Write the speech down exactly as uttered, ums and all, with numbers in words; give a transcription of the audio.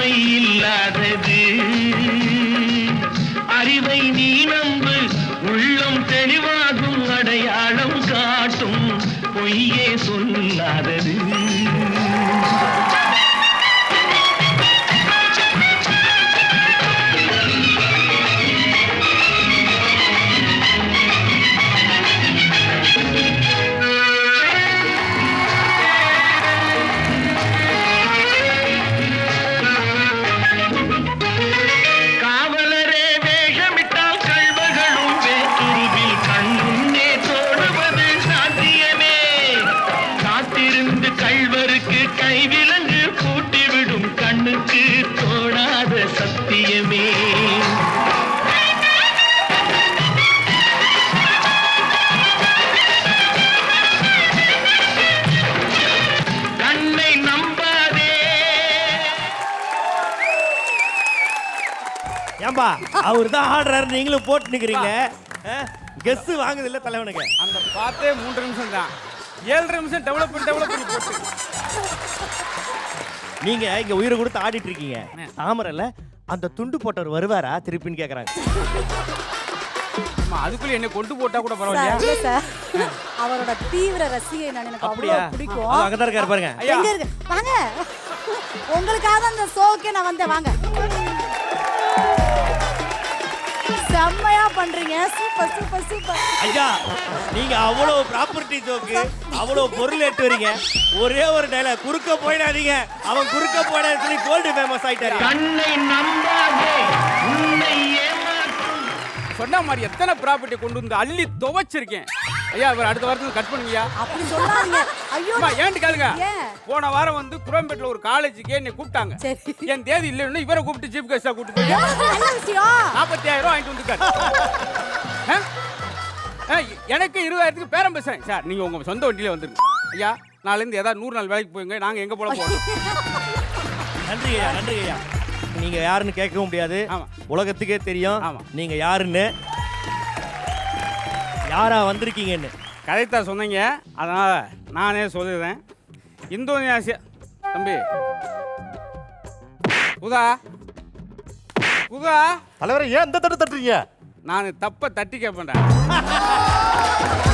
உண்மை இல்லாதது. அறிவை நீ நம்பு, உள்ளம் தெளிவாகும், அடையாளம் காட்டும், பொய்யே சொல்லாதது. ஏம்பா அவர் தான் ஆடுறாரு, நீங்களும் போட்டு நிக்கிறீங்க. கெஸ் வாங்குது இல்ல தலைவனுக்கு. அந்த பார்த்தே மூன்று நிமிஷம் தான், ஏழரை நிமிஷம் டெவலப் பண்ணி டெவலப் பண்ணி போட்டு. நீங்க இங்க உயிரை கொடுத்து ஆடிட்டு இருக்கீங்க. தாமரல்ல அந்த துண்டு போட்டவர் வருவாரா திருப்பின்னு கேக்குறாங்க. அதுக்குள்ள என்ன கொண்டு போட்டா கூட பரவாயில்லையா சார்? அவரோட தீவிர ரசிகை நான், எனக்கு அவ்வளவு பிடிக்கும். அங்க தான் இருக்காரு பாருங்க. எங்க இருக்கு வாங்க, உங்களுக்காக அந்த ஷோக்கே நான் வந்தேன். வாங்க, செம்மையா பண்றீங்க, சூப்பர் சூப்பர் சூப்பர். ஐயா நீங்க அவ்வளவு ப்ராப்பர்ட்டி ஜோக்கு, அவ்வளவு பொருள் ஏத்து வரீங்க. ஒரே ஒரு டயலாக், குறுக்க போயிடாதீங்க, அவன் குறுக்க போயிடான்னு சொல்லி கோல்டு ஃபேமஸ் ஆயிட்டாரு. கண்ணை நம்பாதே, உன்னை ஏமாற்றும். சொன்ன மாதிரி எத்தனை ப்ராப்பர்ட்டி கொண்டு வந்து அள்ளி துவைச்சிருக்கேன். ஐயா இவர் அடுத்த வாரத்துக்கு கட் பண்ணுங்கய்யா. அப்படி சொல்லாதீங்க. ஐயோ ஏன்ட்டு கேளுங்க. போன வாரம் வந்து குரோம்பேட்ல ஒரு காலேஜுக்கு என்னை கூப்பிட்டாங்க. என் தேதி இல்லைன்னு இவரை கூப்பிட்டு சீஃப் கெஸ்டா கூப்பிட்டு போய் நாற்பத்தி ஆயிரம் ரூபாய் வாங்கிட்டு வந்துருக்காரு. எனக்கு இருபதாயிரத்துக்கு பேரம் பேசுறேன். சார் நீங்க உங்க சொந்த வண்டியில வந்துருங்க ஐயா. நாளைந்து ஏதாவது நூறு நாள் வேலைக்கு போயுங்க, நாங்க எங்க போல போறோம். நன்றி ஐயா, நன்றி ஐயா. நீங்க யாருன்னு கேட்கவும் முடியாது, உலகத்துக்கே தெரியும் நீங்க யாருன்னு, யாரா வந்திருக்கீங்கன்னு. கதைத்தான் சொன்னீங்க, அதனால நானே சொல்லிடுறேன். இந்தோனேசியா தம்பி உதா உதா தலைவரை ஏன் இந்த தட்டு தட்டுறீங்க? நான் தப்ப தட்டி கேட்பேன்டா.